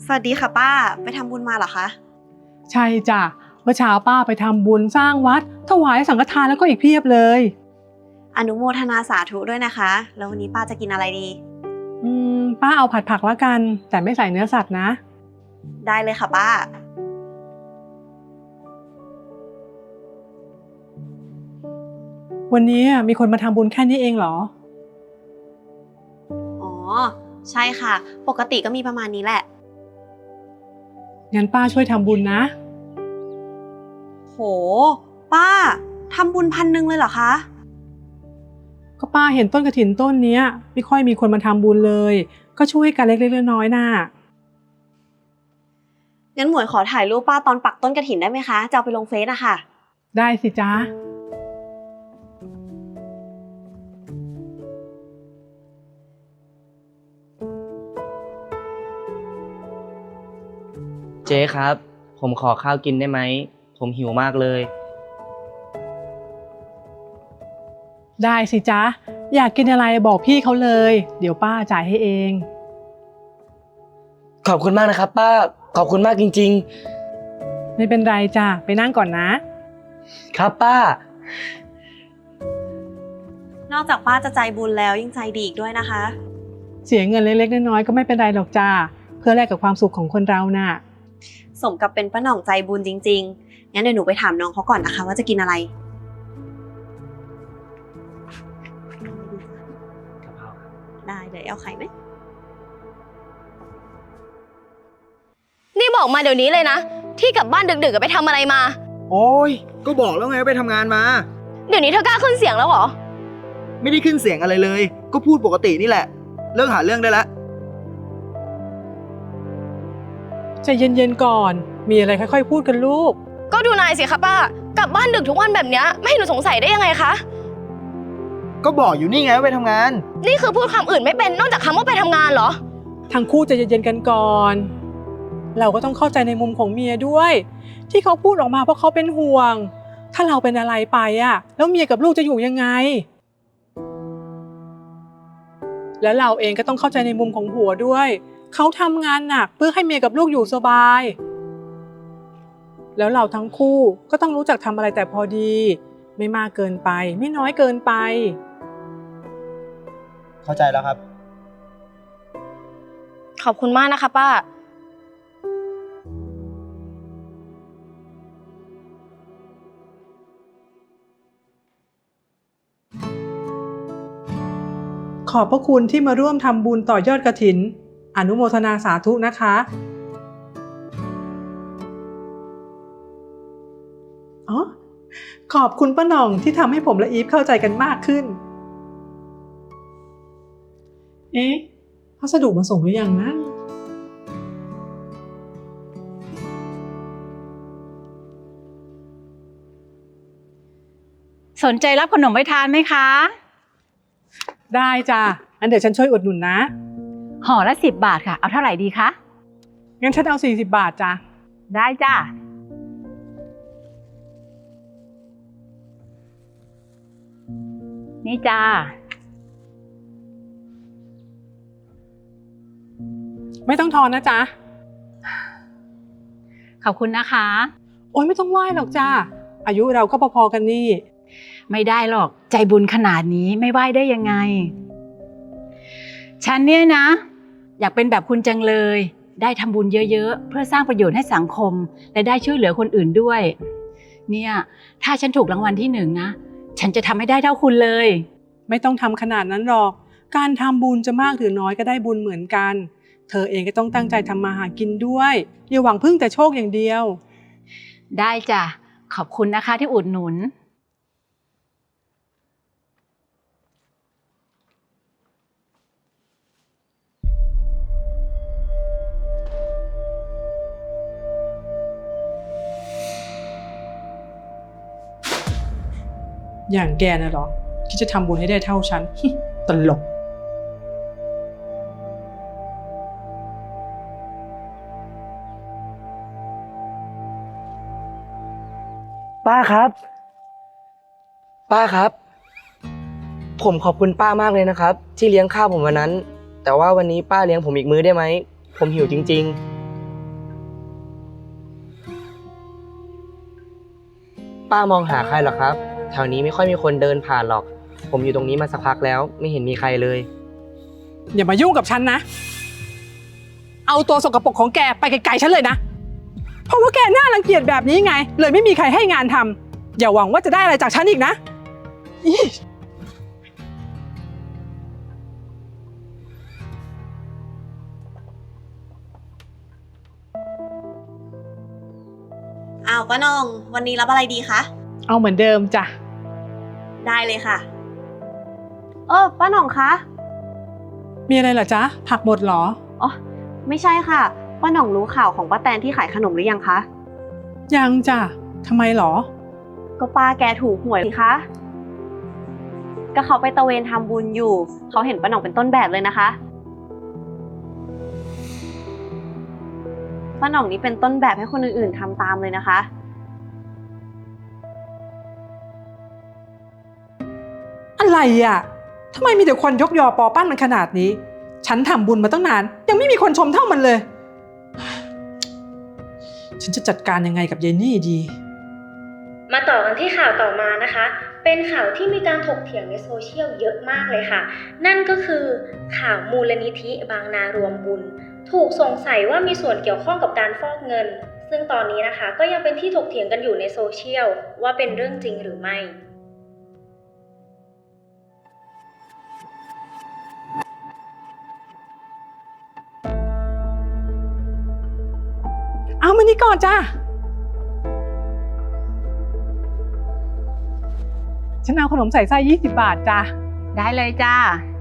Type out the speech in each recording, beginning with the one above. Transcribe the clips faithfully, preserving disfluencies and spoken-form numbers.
สวัสดีค่ะป้าไปทำบุญมาเหรอคะใช่จ้ะเมื่อเช้าป้าไปทำบุญสร้างวัดถวายสังฆทานแล้วก็อีกเพียบเลยอนุโมทนาสาธุด้วยนะคะแล้ววันนี้ป้าจะกินอะไรดีอืมป้าเอาผัดผักแล้วกันแต่ไม่ใส่เนื้อสัตว์นะได้เลยค่ะป้าวันนี้มีคนมาทำบุญแค่นี้เองเหรออ๋อใช่ค่ะปกติก็มีประมาณนี้แหละงั้นป้าช่วยทำบุญนะโหป้าทำบุญพันหนึ่งเลยเหรอคะก็ป้าเห็นต้นกฐินต้นนี้ไม่ค่อยมีคนมาทำบุญเลยก็ช่วยกันเล็กๆน้อยๆน่ะงั้นหมวยขอถ่ายรูปป้าตอนปักต้นกฐินได้ไหมคะจะเอาไปลงเฟซอะค่ะได้สิจ๊ะเจ๊ครับผมขอข้าวกินได้ไหมผมหิวมากเลยได้สิจ๊ะอยากกินอะไรบอกพี่เขาเลยเดี๋ยวป้าจ่ายให้เองขอบคุณมากนะครับป้าขอบคุณมากจริงๆไม่เป็นไรจ้ะไปนั่งก่อนนะครับป้านอกจากป้าจะใจบุญแล้วยังใจดีอีกด้วยนะคะเสียเงินเล็กๆน้อยๆก็ไม่เป็นไรหรอกจ้าเพื่อแลกกับความสุขของคนเราน่ะสมกับเป็นป้าหน่องใจบุญจริงๆงั้นเดี๋ยวหนูไปถามน้องเขาก่อนนะคะว่าจะกินอะไรได้เดี๋ยวเอาไข่ไหมนี่บอกมาเดี๋ยวนี้เลยนะที่กลับบ้านดึกๆไปทำอะไรมาโอ้ยก็บอกแล้วไงว่าไปทำงานมาเดี๋ยวนี้เธอกล้าขึ้นเสียงแล้วเหรอไม่ได้ขึ้นเสียงอะไรเลยก็พูดปกตินี่แหละเลิกหาเรื่องได้แล้วใจเย็นๆก่อนมีอะไรค่อยๆพูดกันลูกก็ดูนายสิคะป้ากลับบ้านดึกทุกวันแบบนี้ไม่ให้หนูสงสัยได้ยังไงคะก็บอกอยู่นี่ไงว่าไปทำงานนี่คือพูดคำอื่นไม่เป็นนอกจากคำว่าไปทำงานเหรอทั้งคู่ใจเย็นๆกันก่อนเราก็ต้องเข้าใจในมุมของเมียด้วยที่เขาพูดออกมาเพราะเขาเป็นห่วงถ้าเราเป็นอะไรไปอ่ะแล้วเมียกับลูกจะอยู่ยังไงแล้วเราเองก็ต้องเข้าใจในมุมของผัวด้วยเขาทำงานหนักเพื่อให้เมียกับลูกอยู่สบายแล้วเราทั้งคู่ก็ต้องรู้จักทำอะไรแต่พอดีไม่มากเกินไปไม่น้อยเกินไปเข้าใจแล้วครับขอบคุณมากนะคะป้าขอบพระคุณที่มาร่วมทำบุญต่อยอดกฐินอนุโมทนาสาธุนะคะอ๋อขอบคุณป้าหน่องที่ทำให้ผมและอีฟเข้าใจกันมากขึ้นเอ๊ะพัสดุมาส่งหรือยังนะสนใจรับขนมไปทานไหมคะได้จ้ะงั้นเดี๋ยวฉันช่วยอุดหนุนนะห่อละสิบบาทค่ะเอาเท่าไหร่ดีคะงั้นฉันเอาสี่สิบบาทจ้ะได้จ้ะนี่จ้าไม่ต้องทอนนะจ๊ะขอบคุณนะคะโอ๊ยไม่ต้องไหว้หรอกจ้าอายุเราก็พอๆกันนี่ไม่ได้หรอกใจบุญขนาดนี้ไม่ไหว้ได้ยังไงฉันเนี่ยนะอยากเป็นแบบคุณจังเลยได้ทำบุญเยอะๆเพื่อสร้างประโยชน์ให้สังคมและได้ช่วยเหลือคนอื่นด้วยเนี่ยถ้าฉันถูกรางวัลที่หนึ่งนะฉันจะทำให้ได้เท่าคุณเลยไม่ต้องทำขนาดนั้นหรอกการทำบุญจะมากหรือน้อยก็ได้บุญเหมือนกันเธอเองก็ต้องตั้งใจทำมาหากินด้วยอย่าหวังพึ่งแต่โชคอย่างเดียวได้จ้ะขอบคุณนะคะที่อุดหนุนอย่างแกน่ะหรอที่จะทำบุญให้ได้เท่าฉัน ตลกป้าครับป้าครับผมขอบคุณป้ามากเลยนะครับที่เลี้ยงข้าวผมวันนั้นแต่ว่าวันนี้ป้าเลี้ยงผมอีกมื้อได้ไหมผมหิวจริงป้ามองหาใครเหรอครับ แถวนี้ไม่ค่อยมีคนเดินผ่านหรอก ผมอยู่ตรงนี้มาสักพักแล้วไม่เห็นมีใครเลยอย่ามายุ่งกับฉันนะ เอาตัวสกปรกของแกไปไกลๆฉันเลยนะ เพราะว่าแกน่ารังเกียจแบบนี้ไง เลยไม่มีใครให้งานทำอย่าหวังว่าจะได้อะไรจากฉันอีกนะอี๋อ้าวป้าหน่องวันนี้รับอะไรดีคะเอาเหมือนเดิมจ้ะได้เลยค่ะ เออป้าหน่องคะมีอะไรเหรอจ๊ะ ผักหมดเหรออ๋อไม่ใช่ค่ะป้าหน่องรู้ข่าวของป้าแตนที่ขายขนมหรือยังคะยังจ้ะทำไมเหรอก็ป้าแกถูกหวยสิคะก็เขาไปตะเวนทำบุญอยู่เขาเห็นป้าหน่องเป็นต้นแบบเลยนะคะป้าหน่องนี้เป็นต้นแบบให้คนอื่นๆทำตามเลยนะคะอะไรอ่ะทำไมมีแต่คนยกยอปอปั้นมันขนาดนี้ ฉันทำบุญมาตั้งนาน ยังไม่มีคนชมเท่ามันเลย ฉันจะจัดการยังไงกับยายนี่ดีมาต่อกันที่ข่าวต่อมานะคะ เป็นข่าวที่มีการถกเถียงในโซเชียลเยอะมากเลยค่ะ นั่นก็คือข่าวมูลนิธิบางนารวมบุญ ถูกสงสัยว่ามีส่วนเกี่ยวข้องกับการฟอกเงิน ซึ่งตอนนี้นะคะก็ยังเป็นที่ถกเถียงกันอยู่ในโซเชียลว่าเป็นเรื่องจริงหรือไม่เอามานี่ก่อนจ้าฉันเอาขนมใส่ไส้ยี่สิบบาทจ้าได้เลยจ้า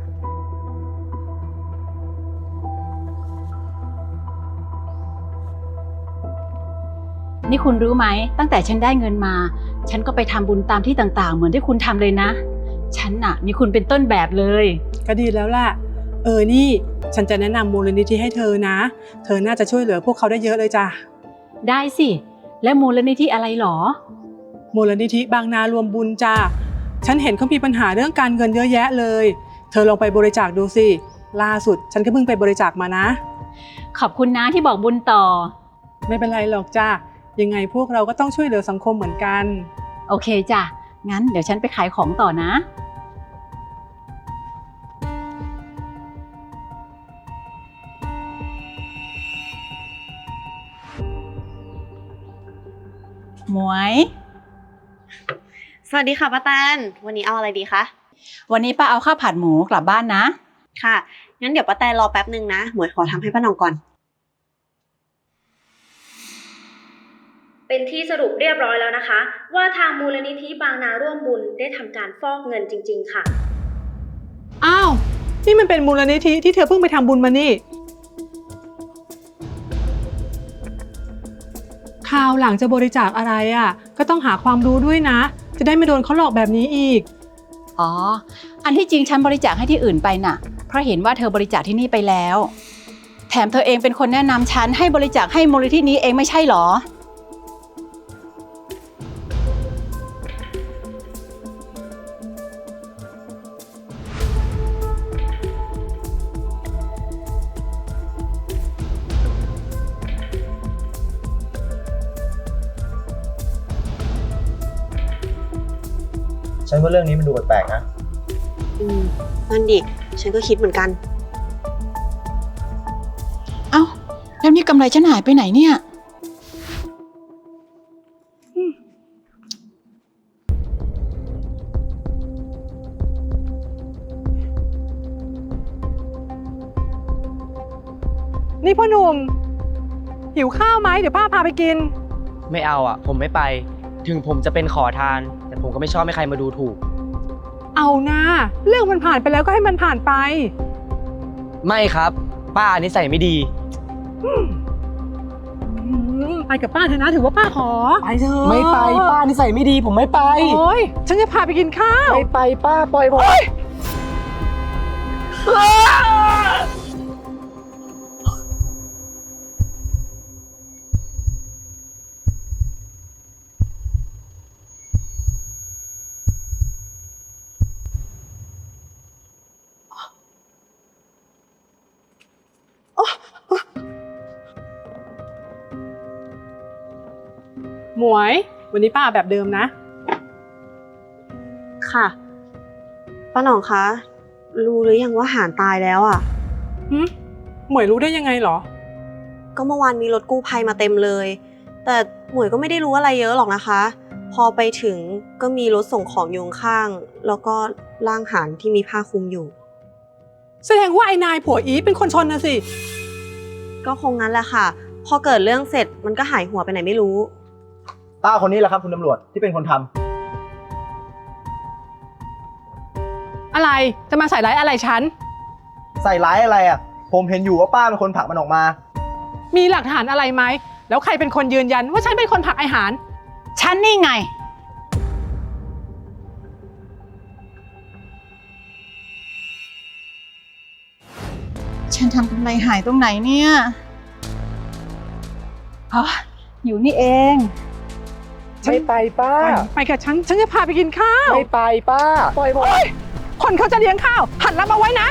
นี่คุณรู้ไหมตั้งแต่ฉันได้เงินมา ฉันก็ไปทำบุญตามที่ต่างๆ เหมือนที่คุณทำเลยนะ ฉันน่ะมีคุณเป็นต้นแบบเลยก็ดีแล้วล่ะ เออนี่ ฉันจะแนะนำมูลนิธิให้เธอนะ เธอน่าจะช่วยเหลือพวกเขาได้เยอะเลยจ้ะได้สิ และมูลนิธิอะไรหรอมูลนิธิบางนารวมบุญจ้าฉันเห็นเขามีปัญหาเรื่องการเงินเยอะแยะเลย เธอลองไปบริจาคดูสิ ล่าสุดฉันก็เพิ่งไปบริจาคมานะขอบคุณนะที่บอกบุญต่อไม่เป็นไรหรอกจ้ายังไงพวกเราก็ต้องช่วยเหลือสังคมเหมือนกันโอเคจ้ะ งั้นเดี๋ยวฉันไปขายของต่อนะ หมวยสวัสดีค่ะป้าแตนวันนี้เอาอะไรดีคะวันนี้ป้าเอาข้าวผัดหมูกลับบ้านนะค่ะงั้นเดี๋ยวป้าแตนรอแป๊บนึงนะหมวยขอทำให้ป้าหน่องก่อนเป็นที่สรุปเรียบร้อยแล้วนะคะ ว่าทางมูลนิธิบางนาร่วมบุญได้ทำการฟอกเงินจริงๆค่ะอ้าว นี่มันเป็นมูลนิธิที่เธอเพิ่งไปทำบุญมานี่คราวหลังจะบริจาคอะไรอ่ะ ก็ต้องหาความรู้ด้วยนะ จะได้ไม่โดนเขาหลอกแบบนี้อีกอ๋อ อันที่จริงฉันบริจาคให้ที่อื่นไปน่ะ เพราะเห็นว่าเธอบริจาคที่นี่ไปแล้ว แถมเธอเองเป็นคนแนะนำฉันให้บริจาคให้มูลนิธินี้เองไม่ใช่หรอฉันว่าเรื่องนี้มันดูแปลกๆนะอืมนั่นดิฉันก็คิดเหมือนกันเอ้า แล้วนี่กำไรฉันหายไปไหนเนี่ยนี่พ่อหนุ่มหิวข้าวไหมเดี๋ยวป้าพาไปกินไม่เอาอ่ะ ผมไม่ไป ถึงผมจะเป็นขอทาน แต่ผมก็ไม่ชอบให้ใครมาดูถูกเอานะเรื่องมันผ่านไปแล้วก็ให้มันผ่านไปไม่ครับ ป้านิสัยไม่ดีอืมไปกับป้าเถอะนะถือว่าป้าขอไปเถอะไม่ไปป้านิสัยไม่ดีผมไม่ไปโอ้ยฉันจะพาไปกินข้าวไม่ไปป้าปล่อยผมหมวย วันนี้ป้าแบบเดิมนะค่ะป้าหน่องคะรู้หรือยังว่าหานตายแล้วอ่ะหึหมวยรู้ได้ยังไงเหรอก็เมื่อวานมีรถกู้ภัยมาเต็มเลย แต่หมวยก็ไม่ได้รู้อะไรเยอะหรอกนะคะ พอไปถึงก็มีรถส่งของอยู่ข้างๆแล้วก็ร่างหานที่มีผ้าคลุมอยู่แสดงว่าไอ้นายผัวอีฟเป็นคนชนนะสิก็คงงั้นแหละค่ะ พอเกิดเรื่องเสร็จมันก็หายหัวไปไหนไม่รู้ป้าคนนี้แหละครับคุณตำรวจที่เป็นคนทำอะไรจะมาใส่ร้ายอะไรฉันใส่ร้ายอะไรอ่ะ ผมเห็นอยู่ว่าป้าเป็นคนผลักมันออกมามีหลักฐานอะไรไหมแล้วใครเป็นคนยืนยันว่าฉันเป็นคนผลักไอ้หานฉันนี่ไง ฉันทำกำไรหายตรงไหนเนี่ยอ๋ออยู่นี่เองไม่ไปป้าไปกับฉันฉันจะพาไปกินข้าวไม่ไปป้า ปล่อยผมเฮ้ยคนเขาจะเลี้ยงข้าวหันรับเอาไว้นะ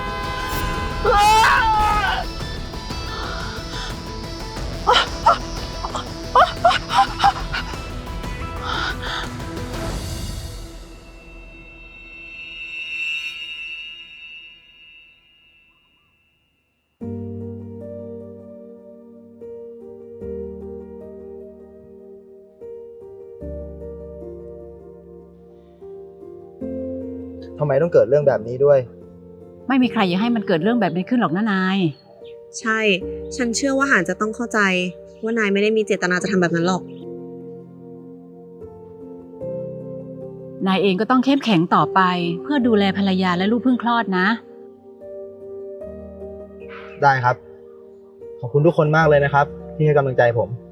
ทำไมต้องเกิดเรื่องแบบนี้ด้วยไม่มีใครอยากให้มันเกิดเรื่องแบบนี้ขึ้นหรอกนะนายใช่ ฉันเชื่อว่าหานจะต้องเข้าใจ ว่านายไม่ได้มีเจตนาจะทำแบบนั้นหรอกนายเองก็ต้องเข้มแข็งต่อไปเพื่อดูแลภรรยาและลูกเพิ่งคลอดนะได้ครับ ขอบคุณทุกคนมากเลยนะครับ ที่ให้กำลังใจผม